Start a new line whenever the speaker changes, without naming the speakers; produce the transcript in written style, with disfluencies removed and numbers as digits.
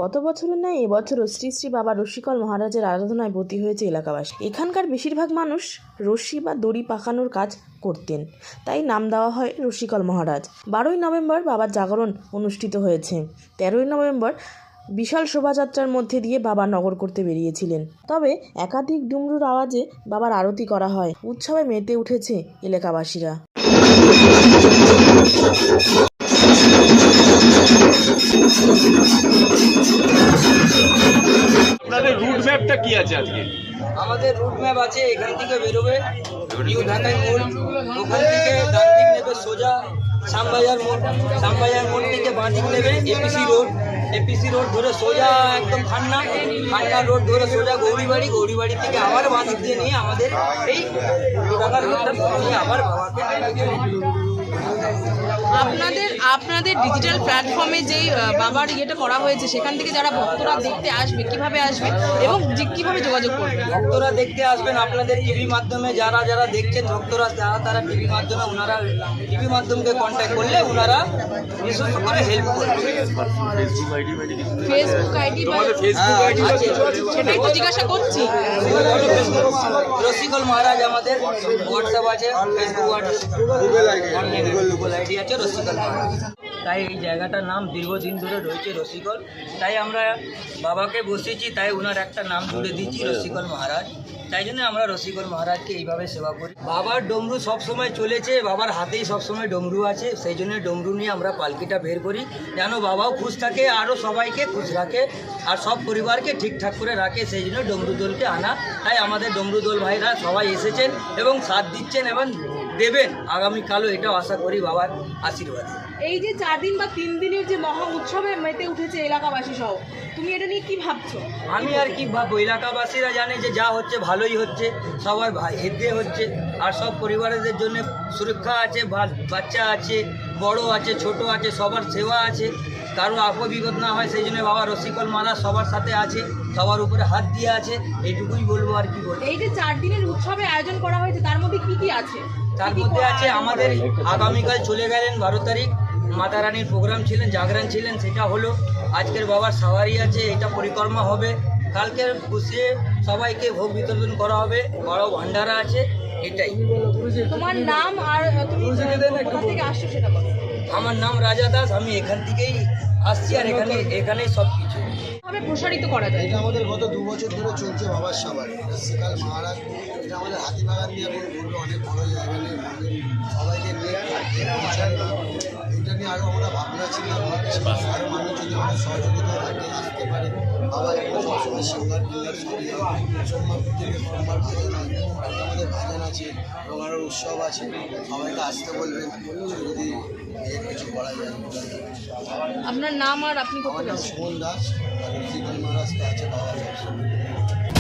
গত বছরের ন্যায় এবছরও শ্রী শ্রী বাবা রসিকল মহারাজের আরাধনায় ব্রতী হয়েছে এলাকাবাসী। এখানকার বেশিরভাগ মানুষ রশি বা দড়ি পাকানোর কাজ করতেন, তাই নাম দেওয়া হয় রসিকল মহারাজ। 12ই নভেম্বর বাবার জাগরণ অনুষ্ঠিত হয়েছে। 13ই নভেম্বর বিশাল শোভাযাত্রার মধ্যে দিয়ে বাবা নগর করতে বেরিয়েছিলেন। তবে একাধিক ডুমরুর আওয়াজে বাবার আরতি করা হয়। উৎসবে মেতে উঠেছে এলাকাবাসীরা।
আপনাদের রুট ম্যাপটা কি আছে আজকে?
আমাদের রুট ম্যাপ আছে, এখান থেকে বেরোবে নিউ ঢাকাই মোড়, ওখান থেকে ডান দিক নেবে সোজা শ্যামবাজার মোড়, শ্যামবাজার মোড় থেকে বাঁ দিক নেবে এপিসি রোড ধরে সোজা একদম খান্না রোড ধরে সোজা গৌরীবাড়ি থেকে আবার বাঁ দিক দিয়ে নিয়ে আমাদের এই ঢাকার রোডটা নিয়ে আবার বাবাকে।
আপনাদের ডিজিটাল প্ল্যাটফর্মে যেই বাবার ইয়েটা করা হয়েছে, সেখান থেকে যারা ভক্তরা দেখতে আসবে কিভাবে আসবে এবং কিভাবে যোগাযোগ করবে?
ভক্তরা দেখতে আসবেন আপনাদের টিভি মাধ্যমে, যারা দেখছেন ভক্তরা তারা টিভি মাধ্যমে, ওনারা টিভি মাধ্যমকে কন্ট্যাক্ট করলে ওনারা বিশেষ করে হেল্প করবে।
ফেসবুক আইডি সেটাই তো জিজ্ঞাসা করছি।
রসিকল মহারাজ আমাদের হোয়াটসঅ্যাপ আছে, ফেসবুক আছে, গুগল আইডি আছে রসিকল মহারাজ। তাই এই জায়গাটার নাম দীর্ঘদিন ধরে রয়েছে রসিকল, তাই আমরা বাবাকে বসেছি, তাই ওনার একটা নাম জুড়ে দিচ্ছি রসিকল মহারাজ। তাই জন্য আমরা রসিকল মহারাজকে এইভাবে সেবা করি। বাবার ডমরু সবসময় চলেছে, বাবার হাতেই সবসময় ডমরু আছে, সেই জন্য ডমরু নিয়ে আমরা পালকিটা বের করি, যেন বাবাও খুশ থাকে, আরও সবাইকে খুশ রাখে, আর সব পরিবারকে ঠিকঠাক করে রাখে, সেই জন্য ডমরু দোলকে আনা। তাই আমাদের ডমরু দোল ভাইরা সবাই এসেছেন এবং সাথ দিচ্ছেন এবং দেবেন আগামীকালও, এটাও আশা করি বাবার আশীর্বাদ।
এই যে 4 দিন বা 3 দিনের যে মহা উৎসবে মেতে উঠেছে এলাকাবাসী সহ, তুমি এটা নিয়ে কি ভাবছো?
আমি আর কি ভাববো, এলাকাবাসীরা জানে যে যা হচ্ছে ভালোই হচ্ছে, সবার হেদে হচ্ছে, আর সব পরিবারদের জন্য সুরক্ষা আছে, বাচ্চা আছে, বড় আছে, ছোট আছে, সবার সেবা আছে, কারো বিপদ না হয়, সেই জন্য বাবা রসিকল মহারাজ সবার সাথে আছে, সবার উপরে হাত দিয়ে আছে, এইটুকুই বলবো। আর কি বলবো,
এই যে 4 দিনের উৎসবে আয়োজন করা হয়েছে তার মধ্যে কি কি আছে?
তার মধ্যে আছে আমাদের আগামীকাল চলে গেলেন 12 তারিখ মাতা রানীর প্রোগ্রাম ছিলেন, জাগরণ ছিলেন, সেটা হলো। আজকের বাবার সাওয়ারি আছে, এটা পরিক্রমা হবে। কালকে বসে সবাইকে ভোগ বিতরণ করা হবে, বড় ভান্ডারা আছে, এটাই।
তোমার নাম আর তুমি কোথা থেকে আসছো সেটা বলো।
আমার নাম রাজা দাস, আমি এখান থেকেই আসছি, আর এখানেই সব কিছু
ভাবে প্রসারিত করা যায়।
এটা আমাদের গত 2 বছর ধরে চলছে বাবার সাবারি রসিকল মহারাজ। এটা আমাদের হাতিবাগান নিয়ে এখন ঘুরবে, অনেক বড় জায়গা নিয়ে সবাইকে নিয়ে এটা নিয়ে আরও আমরা ভাবনা চিন্তা করছি, আরও মানুষ যদি আমাদের সহযোগিতা থাকে আসতে পারে। বাবা এখানে সবসময় সিঙ্গার সবই সোমবার থেকে সোমবার ভাজন হয়, আমাদের ভাজন আছে এবং আরও উৎসব আছে, সবাইকে আসতে বলবেন যদি কিছু করা যায়।
আপনার নাম আর আপনি
আমার নাম সুমন দাস, আর রসিকল মহারাজ আছে বাবা সবসময়।